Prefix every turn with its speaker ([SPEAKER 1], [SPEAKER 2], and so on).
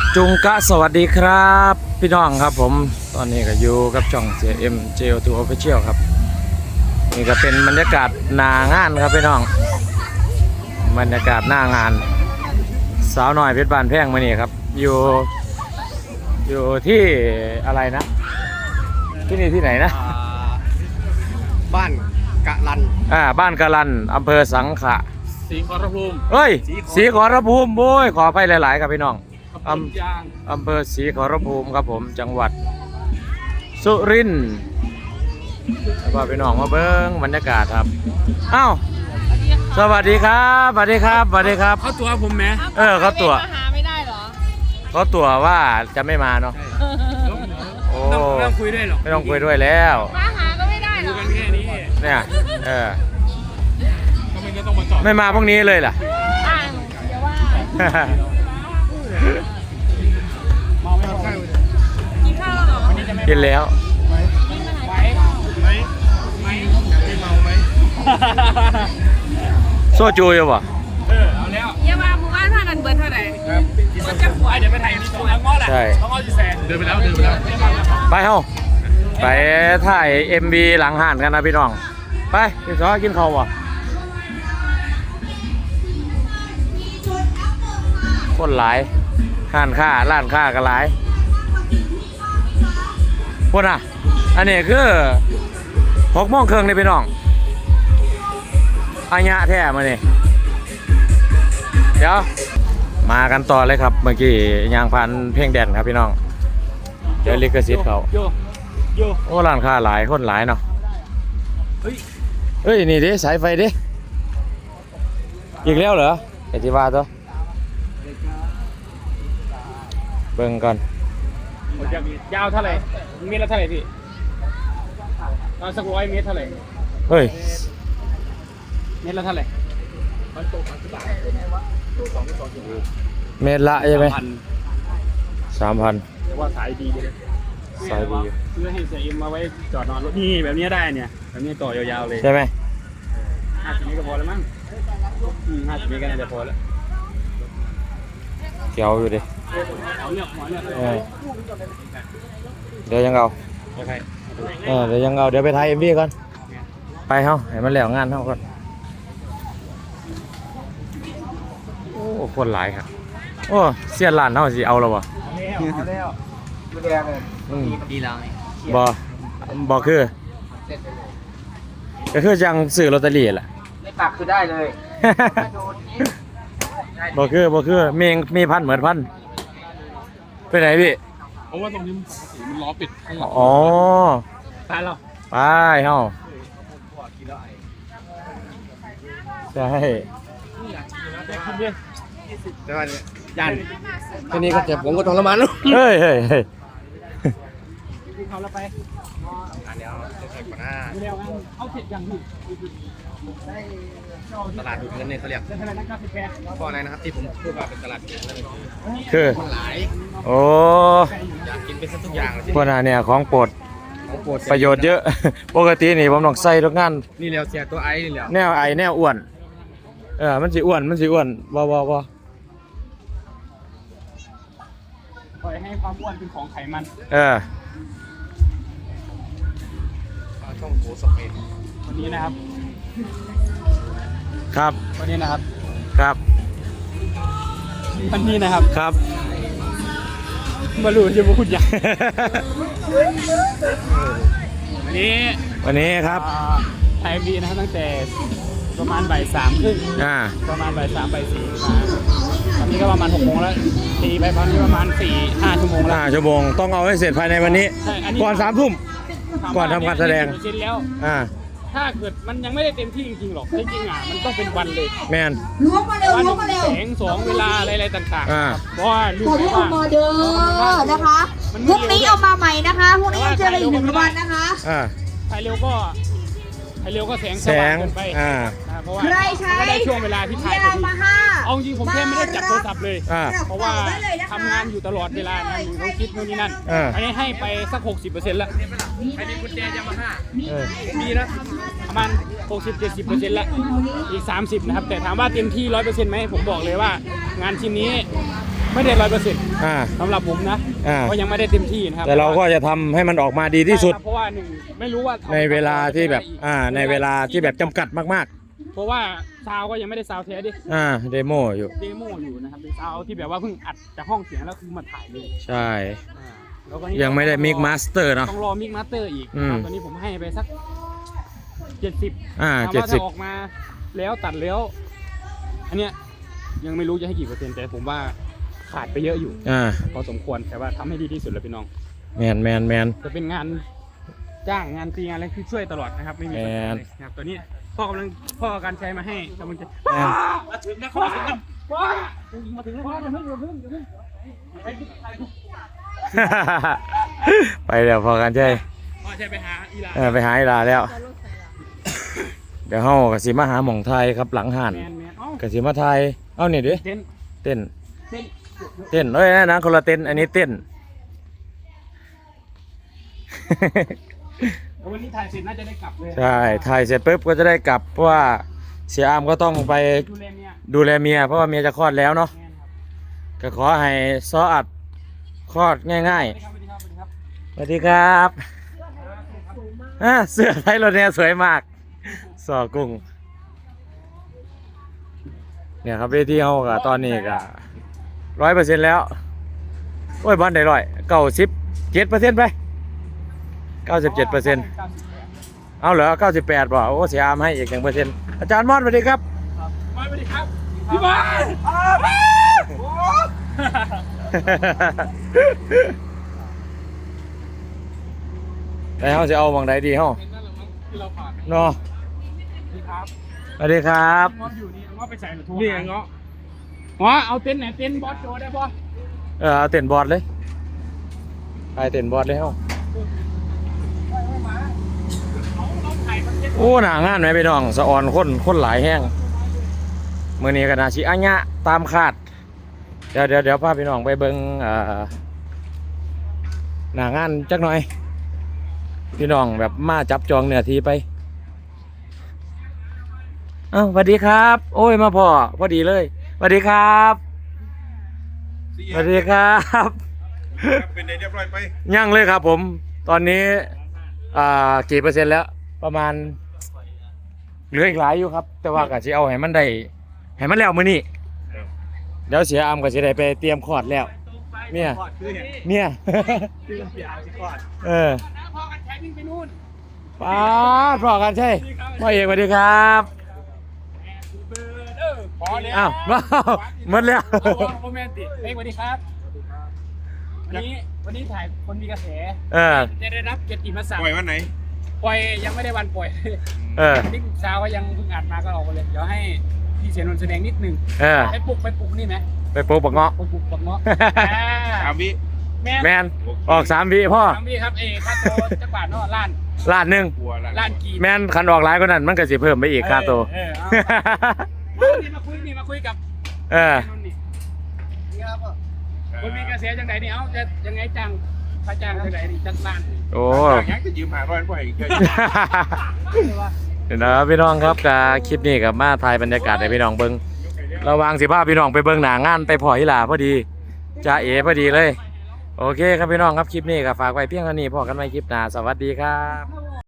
[SPEAKER 1] จุงกะสวัสดีครับพี่น้องครับผมตอนนี้ก็อยู่กับช่องเสียเอ็มเจลทูออฟฟิเชียลครับนี่ก็เป็นบรรยากาศหน้างานครับพี่น้องบรรยากาศหน้างานสาวน้อยเพชรบานแพงมานี่ครับอยู่ที่อะไรนะที่นี่ที่ไหนนะ
[SPEAKER 2] บ้านกะลัน
[SPEAKER 1] บ้านกะลันอำเภอสังขะ
[SPEAKER 2] ศรีขอรภูมิ
[SPEAKER 1] เฮ้ยศรีขอรภูมิโว้ยขอไปหลายๆครับพี่น้องอำเภอศรีขอรภูมิครับผมจังหวัดสุรินทร์แล้วก็พี่น้องมาเบิ้งบรรยากาศครับอ้าวสวัสดีครับสวัสดีครับสวัสดีครับ
[SPEAKER 2] เขาตัวผมไหม
[SPEAKER 1] เขาตัว
[SPEAKER 3] หาไม่ได้หรอ
[SPEAKER 1] เขาตัวว่าจะไม่มาเนาะโอ้
[SPEAKER 2] ไม่ต้องคุยด้วยหรอก
[SPEAKER 1] ไม่ต้องคุยด้วยแล้ว
[SPEAKER 3] มาหาก็ไม่ได้หรอ
[SPEAKER 2] กันแค่นี้
[SPEAKER 1] เนี่ย
[SPEAKER 2] ก็ไม่ต้องมาจอด
[SPEAKER 1] ไม่มาพวกนี้เลยล่ะ
[SPEAKER 3] เดี๋ยวว่ากินข้าวแล้วหรอ
[SPEAKER 1] กินแล้ว
[SPEAKER 2] ไม่เมาไหม
[SPEAKER 1] โซจูอยู่ป่ะ
[SPEAKER 2] เอาแล้ว
[SPEAKER 3] เยี่ยมมาหมู่บ้านท่านันเบิร์ดเท่าไหร่
[SPEAKER 2] มันจะขวายเดี๋ยวไปถ่ายที่ตรงง้อแหละง้อจีแสนเดินไปแล้ว
[SPEAKER 1] ไปเฮ้าไปถ่าย MV หลังห่านกันนะพี่น้องไปพี่ซอกินข้าวป่ะคนหลายห้านค้าร้านค้าก็หลายพวกน่ะอันนี้คือ6:30นี่พี่น้องอาญะแท้มาเนี่ยเดี๋ยวมากันต่อเลยครับเมื่อกี้ยางพันเพลงแดนครับพี่น้องเดี๋ยวลิขสิทธิ์เขาโอ้ร้านค้าหลายคนหลายเนาะเฮ้ยนี่ดิสายไฟดิอีกแล้วเหรอไอที่ว่าตัวเบิ่งก่อน
[SPEAKER 2] ยาวเท่าไหร่เมตรละเท่าไหร่พี่สัก100 เมตรเท่าไหร่
[SPEAKER 1] เฮ้ย
[SPEAKER 2] เมตรละเท่าไหร่
[SPEAKER 1] เมตรละใช่ไหม3,000
[SPEAKER 2] แต่ว่าสายดีเลย
[SPEAKER 1] สายดี
[SPEAKER 2] ซื้อให้เสียเอ็มมาไว้จอดนอนรถนี่แบบนี้ได้เนี่ยแบบนี้ต่อยาวๆเลย
[SPEAKER 1] ใช่ไหม
[SPEAKER 2] 50 เมตรก็พอแล้วมั้ง50 เมตรก็น่าจะพอแล้ว
[SPEAKER 1] เกี่ยวอยู่ดิ
[SPEAKER 2] หมอเนี่ย
[SPEAKER 1] เดี๋ยวยังเอาเดี๋ยวยังเอาเดี๋ยวไปถ่าย MV ก่อนไปเฮ้าให้มันแล้วงานเฮ้าก่อนโอ้คนหลายครับโอ้เสียร้านเฮ้าสิเอาแล้วบ่
[SPEAKER 2] ดูแดงเลยดีแล้ว
[SPEAKER 1] บ่คือก็คือจังซื้อลอตเตอรี่แหละ
[SPEAKER 2] ไม่ปักคือได้เลย
[SPEAKER 1] บ่คือมีพันเหมือนพันไปไหนพี่
[SPEAKER 2] เพราะว่าตรงนี้มันล้อปิดข้างหลัง
[SPEAKER 1] อ๋อ
[SPEAKER 2] ไปแล้ว
[SPEAKER 1] ไปเฮ้าใช่
[SPEAKER 2] แต่ว่ายันแค่นี้ก็เจ็บผมก็ทรมานแล้ว
[SPEAKER 1] เฮ้ย
[SPEAKER 2] เขาแล้วไปอันนี้จะใส่ก่อนหน้าเอาเสร็จยังพี่ตลาดดูดเงินเนี่ยเขาเรียกเพราะอะไรนะครับที่ผมพูดว่าเป็นตลาดดูดเงิน
[SPEAKER 1] คือ
[SPEAKER 2] คนหลาย
[SPEAKER 1] โอ้
[SPEAKER 2] อยากกินไปซะทุกอย่างเลย
[SPEAKER 1] พวกนั้นเนี่ยของโปรดประโยชน์เยอะปกตินี่ผมต้องใส่ทุกงาน
[SPEAKER 2] นี่แล้วเสียตัวไอ้นี่แล้ว
[SPEAKER 1] แนวไอแนวอ้วนมันสิอ้วนบ่
[SPEAKER 2] ปล่อยให้ความอ้วนเป็นของไขมันช่องโถสเปนวันนี้นะครับ
[SPEAKER 1] ครับ
[SPEAKER 2] วันนี้นะครับ
[SPEAKER 1] ครับ
[SPEAKER 2] วันนี้นะครับ
[SPEAKER 1] ครับ
[SPEAKER 2] มารู้จะมาพูดอย่าง
[SPEAKER 1] วันนี้ครับ
[SPEAKER 2] ไทยบีนะครับตั้งแต่ประมาณบ่าย 3 ครึ่งประมาณบ่าย 3 บ่าย 4มาตอนนี้ก็ประมาณ6 โมงแล้วตีไปตอนนี้ประมาณ 4-5 ชั่วโมงแล้ว
[SPEAKER 1] 5 ชั่วโมงต้องเอาให้เสร็จภายในวันนี้ก่อน 3 ทุ่มก่อนทำการแสดง
[SPEAKER 2] แล้วถ้าเกิดมันยังไม่ได้เต็มที่จริงๆหรอกจริงๆมันต้องเป็นวันเลย
[SPEAKER 1] แมน
[SPEAKER 3] ล้วงมาเร็ว
[SPEAKER 2] แสง2เวลาอะไรต่างๆเพราะว่า
[SPEAKER 3] ลูกไม่ว่ามาเด้อนะคะพรุ่งนี้เอามาใหม่นะคะพรุ่งนี้จะได้1 วันนะคะ
[SPEAKER 2] ถ่ายเร็วก็แสงสว่างเกินไปเพราะว่าก็ได้ช่วงเวลาที่ถ่ายเอาจริงผมแค่ไม่ได้จับโทรศัพท์เลยเพราะว่าทำงานอยู่ตลอดเวลานะต้องคิดนู่นนี่นั่นอันนี้ให้ไปสัก 60% แล้วอันนี้กุญแจยามาฮ่ามีนะประมาณ 60-70% แล้วอีก 30 นะครับแต่ถามว่าเต็มที่ 100% ไหมผมบอกเลยว่างานชิ้นนี้ไม่ได้100%
[SPEAKER 1] อ่า
[SPEAKER 2] สำหรับผมนะ
[SPEAKER 1] อ่า
[SPEAKER 2] ก็ยังไม่ได้เต็มที่นะครับ
[SPEAKER 1] แต่เราก็จะทำให้มันออกมาดีที่สุด
[SPEAKER 2] ใช่ครับเพราะว่าหนึ่งไม่รู้ว่า
[SPEAKER 1] ในเวลาที่แบบในเวลาที่แบบจำกัดมาก
[SPEAKER 2] เพราะว่าซาวก็ยังไม่ได้ซาวเทสดิ
[SPEAKER 1] ๆเดโมอยู่
[SPEAKER 2] เดโมอยู่นะครับเป็นซาวที่แบบว่าเพิ่งอัดจากห้องเสียงแล้วคือมาถ่ายเลย
[SPEAKER 1] ใช่
[SPEAKER 2] แล้วก็
[SPEAKER 1] ยังไม่ได้มิกมาสเตอร์เนาะ
[SPEAKER 2] ต้องรอมิกมาสเตอร์อีก
[SPEAKER 1] อืม
[SPEAKER 2] ตอนนี้ผมให้ไปสัก70
[SPEAKER 1] อ่า
[SPEAKER 2] ถามว่า
[SPEAKER 1] 70
[SPEAKER 2] ถ้าออกมาแล้วตัดแล้ว อันเนี้ยยังไม่รู้จะให้กี่เปอร์เซ็นต์แต่ผมว่าขาดไปเยอะอยู่ พอสมควรแต่ว่าทำให้ดีที่สุดแล้วพี่น้อง
[SPEAKER 1] แมน
[SPEAKER 2] จะเป็นงานจ้างงานฟรีงานอะไรคือช่วยตลอดนะครับไม่มีปัญหาเลยนะครับตอนนี้พ่อการใช้มาให้กำลังจะมาถึงนะพ่อถึงแล้วพ่อมาถึงแล้วพ่ออย่าเพิ่ง
[SPEAKER 1] ไปเดี๋ยวพอกันใช่
[SPEAKER 2] พ่อใช้ไปหาอีลา
[SPEAKER 1] ไปหาอีลาแล้ว เดี๋ยวเฮากสิมาหาหม่องไทยครับหลังห่าน
[SPEAKER 2] แมนเอ้าก
[SPEAKER 1] สิมาไทยเอานี่ดิ
[SPEAKER 2] เต้น
[SPEAKER 1] เต้น
[SPEAKER 2] เต้น
[SPEAKER 1] เต้นเอ้ยนะคนละเต้นอันนี้เต้น
[SPEAKER 2] วันนี้ถ่ายเสร็จน่าจะได้กลับเลย
[SPEAKER 1] ใช่ถ่ายเสร็จปุ๊บก็จะได้กลับเพราะว่าเสียอามก็ต้องไป
[SPEAKER 2] ดูแลเมีย
[SPEAKER 1] ดูแลเมียเพราะว่าเมียจะคลอดแล้วเนาะ
[SPEAKER 2] แมนครับ
[SPEAKER 1] ก็ขอให้ซออัดคลอดง่าย
[SPEAKER 2] สวัสดีครับ
[SPEAKER 1] ๆสวัสดีครับเสื้อไทยรถเนี่ยสวยมากสอกุ้งเนี่ยครับเวทีเฮาก็ตอนนี้ก็100%แล้วโอ้ยบอลได้97%ไป97% เอาเหรอ98บ่โอ้เสียอามให้อีก1%อาจารย์มอดสวัสดีครับ
[SPEAKER 2] สวัสดีครับพี่บอล
[SPEAKER 1] แล้วเฮาสิเอาหม่องใดดีเฮา
[SPEAKER 2] เห็นนั่นแหละมั้งที่เราผ่าน
[SPEAKER 1] เนาะ
[SPEAKER 2] นี่ครับ
[SPEAKER 1] สวัสดีครับ
[SPEAKER 2] งออยู่นี่งอไปใส่หรือโทรนี่งอเอาเต็นท์ไหนเต็นท์บอสโจได้ป่ะ
[SPEAKER 1] เอาเต้นบอร์ดเลยไปเต้นบอร์ดเลยเฮา
[SPEAKER 2] เราถ่ายคอนเทนต์
[SPEAKER 1] โอ้หน้างานไหมพี่น้องสะออนคนหลายแห้งมื้อนี้ก็น่าสิอัญญะตามคาดเดี๋ยวพาพี่น้องไปเบิ่งหน้างานจักหน่อย พี่น้องแบบมาจับจองเนื้อที่ไปอ้าวสวัสดีครับ โอ้ยมาพอดีเลยสวัสดีครับสวัสดีครับ
[SPEAKER 4] เป็นไงเรียบร้อยไป
[SPEAKER 1] ยังเลยครับผมตอนนี้กี่เปอร์เซ็นต์แล้วประมาณเหลืออีกหลายอยู่ครับ แต่ว่าก็สิเอาให้มันได้ให้มันแล้วมื้อนี้เดี๋ยวเสียอามก็สิได้ไปเตรียมคลอดแล้วเมีย
[SPEAKER 2] เสียอาสิก่อน พอกันใช้วิ่งไปนู่น
[SPEAKER 1] ป้าดพอกันใช่พ่อเอกสวัสดีครับ
[SPEAKER 2] พอแล้ว
[SPEAKER 1] อ้าวว้าวหมดแล้ว
[SPEAKER 2] โรแมนติกสวัสดีครับวันนี้ถ่ายคนมีกระแส จะได้รับเกียรติมศักดิ์
[SPEAKER 4] ปล่อยวันไหน
[SPEAKER 2] ปล่อยยังไม่ได้วันปล่อย นี่เช้าก็ยังเพิ่งอัดมาก็ออกมาเลยเดี๋ยวให้พี่เสียนนท์แสดงนิดนึงไปปลุกนี่ไหม
[SPEAKER 1] ไปปลูกบักเงาะ
[SPEAKER 2] ปลุกปักเนาะ
[SPEAKER 4] 3 วิ
[SPEAKER 1] แมนออก3 วิพ่อ
[SPEAKER 2] พี่ครับค่าโตจักบาทเนาะล้าน
[SPEAKER 1] ล้านหนึ่ง
[SPEAKER 4] กลัวละ
[SPEAKER 2] ล้านกีบ
[SPEAKER 1] แมนคันออกหลายกว่านั้นมันก็สิเพิ่มไปอีกค่าตัว
[SPEAKER 2] มาคุยกับ
[SPEAKER 1] เออ
[SPEAKER 2] คนมีกระแสจังไหนนี่เอาจะยังไงจังค่าจ้างจังไหนนี่จังล้าน
[SPEAKER 1] โอ้
[SPEAKER 4] ยังจะยืม500บ่อยอีกเกิน
[SPEAKER 1] เดี๋ยวนะครับพี่น้องครับกับคลิปนี้กับมาถ่ายบรรยากาศให้พี่น้องเบิ้งระวังสิพาพี่น้องไปเบิ้งหนางานไปพอฮิลาพอดีจ้าเอพอดีเลยโอเคครับพี่น้องครับคลิปนี้ก็ฝากไว้เพียงเท่านี้พอกันใหม่คลิปหน้าสวัสดีครับ